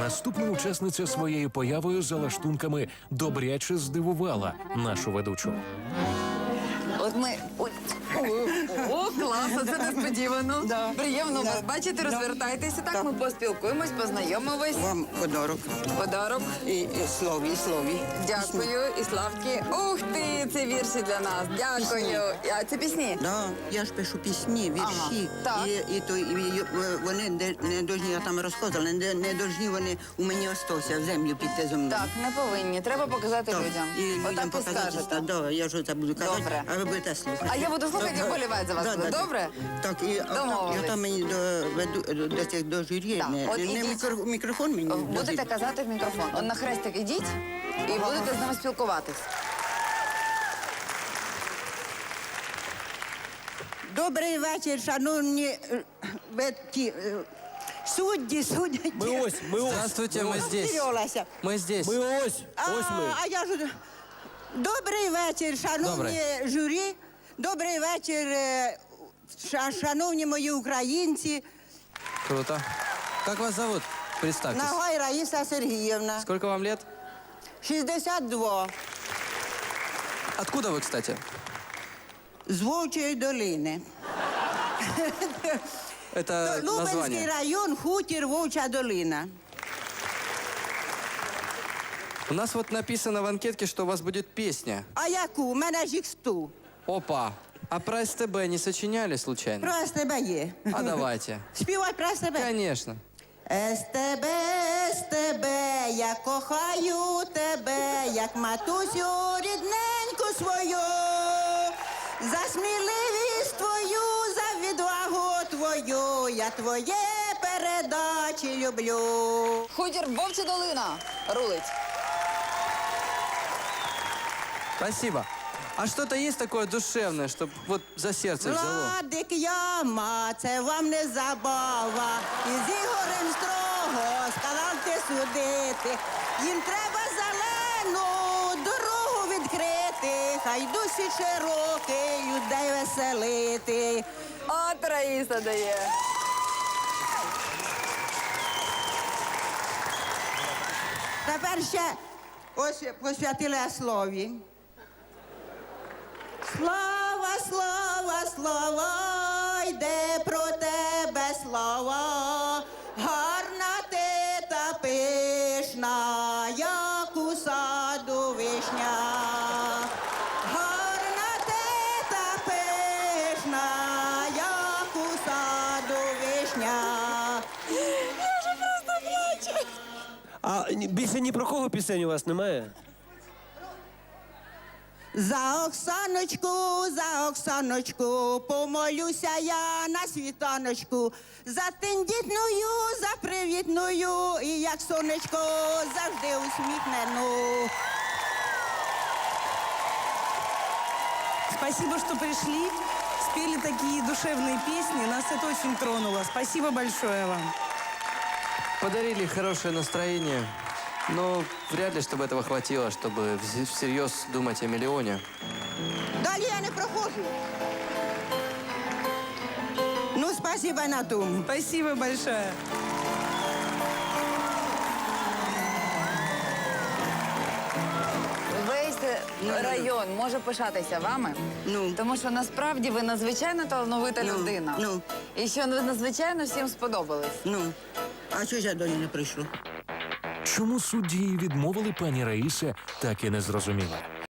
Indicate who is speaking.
Speaker 1: Наступна учасниця своєю появою за лаштунками добряче здивувала нашу ведучу.
Speaker 2: От ми... Ой. О, класно, це несподівано.
Speaker 3: Да.
Speaker 2: Приємно
Speaker 3: Да.
Speaker 2: вас бачити,
Speaker 3: Да.
Speaker 2: розвертайтеся. Так,
Speaker 3: Так.
Speaker 2: ми поспілкуємось, познайомимось.
Speaker 3: Вам подарок.
Speaker 2: Подарок.
Speaker 3: І слові.
Speaker 2: Дякую, і Славки. Ух ти, це вірші для нас. Дякую. А це пісні?
Speaker 3: Да, я ж пишу пісні, вірші.
Speaker 2: Ага, так.
Speaker 3: І вони не должні, я там розказувала, не должні вони у мені остатися в землю піти зо мною.
Speaker 2: Так, не повинні. Треба показати
Speaker 3: Так,
Speaker 2: людям.
Speaker 3: І людям
Speaker 2: Отак і
Speaker 3: показати,
Speaker 2: скажете.
Speaker 3: да, я ж це буду казати,
Speaker 2: Добре.
Speaker 3: а ви будете слухати.
Speaker 2: А я буду слухати і вболівати за вас.
Speaker 3: Да.
Speaker 2: Добре?
Speaker 3: Так, і
Speaker 2: Домовились.
Speaker 3: там мені до цих до журі,
Speaker 2: Так, от
Speaker 3: не
Speaker 2: ідіть.
Speaker 3: мікрофон мені.
Speaker 2: Будете казати в мікрофон. От на хрестик ідіть і будете з ними спілкуватись.
Speaker 3: Добрий вечір, шановні судді.
Speaker 4: Мы ось.
Speaker 5: Здравствуйте, мы здесь.
Speaker 3: Розстрілялася.
Speaker 5: Мы здесь.
Speaker 4: Мы ось. Ось ми.
Speaker 3: А я ж... Добрий вечір, шановні журі. Добрий вечір, шановні мої українці.
Speaker 5: Круто. Как вас зовут? Представьтесь.
Speaker 3: Нагай Раїса Сергіївна.
Speaker 5: Сколько вам лет?
Speaker 3: 62.
Speaker 5: Откуда вы, кстати?
Speaker 3: З Вовчої долини.
Speaker 5: Это
Speaker 3: Лубенський
Speaker 5: название.
Speaker 3: район, хутір Вовча долина.
Speaker 5: У нас вот написано в анкетке, что у вас будет песня.
Speaker 3: А яку? У мене ж їх 100.
Speaker 5: Опа. А про СТБ не сочиняли случайно?
Speaker 3: Про СТБ є.
Speaker 5: А давайте.
Speaker 3: Співай про СТБ.
Speaker 5: Конечно.
Speaker 3: СТБ, СТБ, я кохаю тебе, як матусю рідненьку свою. За сміливість твою, за відвагу твою, я твоє передачі люблю.
Speaker 2: Хутір Вовча долина рулить.
Speaker 5: Спасибо. А что-то есть такое душевное, чтобы вот за сердце взяло?
Speaker 3: Владик Яма, це вам не забава. Із Ігорем строго сказав ти судити. Їм треба зелену дорогу відкрити. Хай досі широкий людей веселити.
Speaker 2: От Раїса дає.
Speaker 3: Тепер ще ось посвятили слові. Слава, слава, слава, йде про тебе слава, гарна ти та пишна, як у саду вишня. Гарна ти та пишна, як у саду вишня.
Speaker 4: А більше ні про кого пісень у вас немає?
Speaker 3: За Оксаночку, помолюся я на світаночку. За тендітною, за привітною, і як сонечко завжди усміхнену.
Speaker 6: Спасибо, что пришли, спели такие душевные песни. Нас это очень тронуло. Спасибо большое вам.
Speaker 5: Подарили хорошее настроение, но вряд ли, чтобы этого хватило, чтобы всерьез думать о миллионе.
Speaker 3: Далі я не проходжу. Ну, спасибо на тому.
Speaker 6: Спасибо большое.
Speaker 2: Весь район може пишатися вами,
Speaker 3: Ну.
Speaker 2: тому що насправді ви надзвичайно талановита людина.
Speaker 3: ну.
Speaker 2: І що ви надзвичайно всім сподобались.
Speaker 3: Ну, а чого ж я до нього не прийшла?
Speaker 1: Чому судді їй відмовили, пані Раїса так і не зрозуміла.